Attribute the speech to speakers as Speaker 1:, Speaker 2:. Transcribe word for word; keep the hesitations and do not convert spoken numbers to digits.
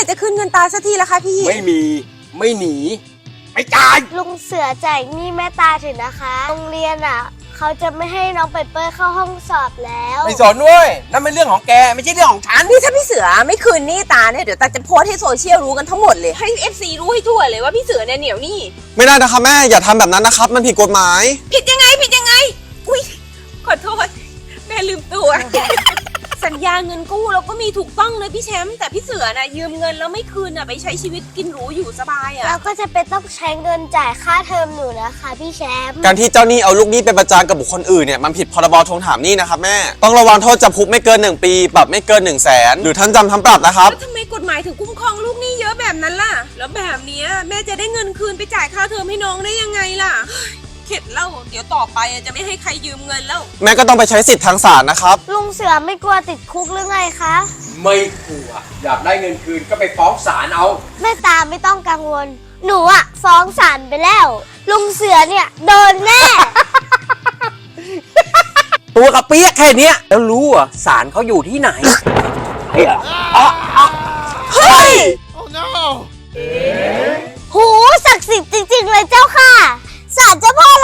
Speaker 1: ร่จะคืนเงินตาสักทีละคะพี่
Speaker 2: ไม่มีไม่หนีไม่จ่าย
Speaker 3: ลุงเสือจ่ายหนี้แม่ตาถึงนะคะโรงเรียนอ่ะเขาจะไม่ให้น้องเปเปอร์เข้าห้องสอบแล้ว
Speaker 2: ไม่สนเว้ยนั่นเป็นเรื่องของแกไม่ใช่เรื่องของฉัน
Speaker 1: นี่ถ้าพี่เสือไม่คืนหนี้ตาเนี่ยเดี๋ยวตาจะโพสต์ให้โซเชียลรู้กันทั้งหมดเลยให้ เอฟ ซี รู้ให้ทั่วเลยว่าพี่เสือเนี่ยเหนียวหนี้
Speaker 4: ไม่ได้นะคะแม่อย่าทำแบบนั้นนะครับมันผิดกฎหมาย
Speaker 1: ผิดยังไงผิดยังไงอุ้ยขอโทษแม่ลืมตัว สัญญาเงินกู้เราก็มีถูกต้องเลยพี่แชมป์แต่พี่เสือน่ะยืมเงินแล้วไม่คืนน่ะไปใช้ชีวิตกินหรูอยู่สบายอ่ะ
Speaker 3: เราก็จะเป็นต้องใช้เงินจ่ายค่าเทอมหนูนะคะพี่แชมป์
Speaker 4: การที่เจ้าหนี้เอาลูกหนี้ไปประจานกับบุคคลอื่นเนี่ยมันผิดพรบทวงถามหนี้นะครับแม่ต้องระวังโทษจำคุกไม่เกินหนึ่งปีปรับไม่เกินหนึ่งแสนหรือทั้งจำทั้งปรับนะครับ
Speaker 1: แล้วทำไมกฎหมายถึงคุ้มครองลูกหนี้เยอะแบบนั้นล่ะแล้วแบบนี้แม่จะได้เงินคืนไปจ่ายค่าเทอมให้น้องได้ยังไงล่ะเข็ดเล่าเดี๋ยวต่อไปจะไม่ให้ใครยืมเงินแล้ว
Speaker 4: แม่ก็ต้องไปใช้สิทธิ์ทางศาลนะครับ
Speaker 3: ลุงเสือไม่กลัวติดคุกหรือไงคะ
Speaker 2: ไม่กลัวอยากได้เงินคืนก็ไปฟ้องศาลเอา
Speaker 3: แม่ตาไม่ต้องกังวลหนูอะฟ้องศาลไปแล้วลุงเสือเนี่ยโดนแน่
Speaker 2: ตัวกระเปี๊ยกแค่เนี้ยแล้วรู้อ่ะศาลเขาอยู่ที่ไหนเฮ้ย
Speaker 1: เฮ้ย
Speaker 5: Oh no
Speaker 3: หูศักดิ์สิทธิ์จริงๆเลยเจ้าค่ะศาลเจ้าพ่อ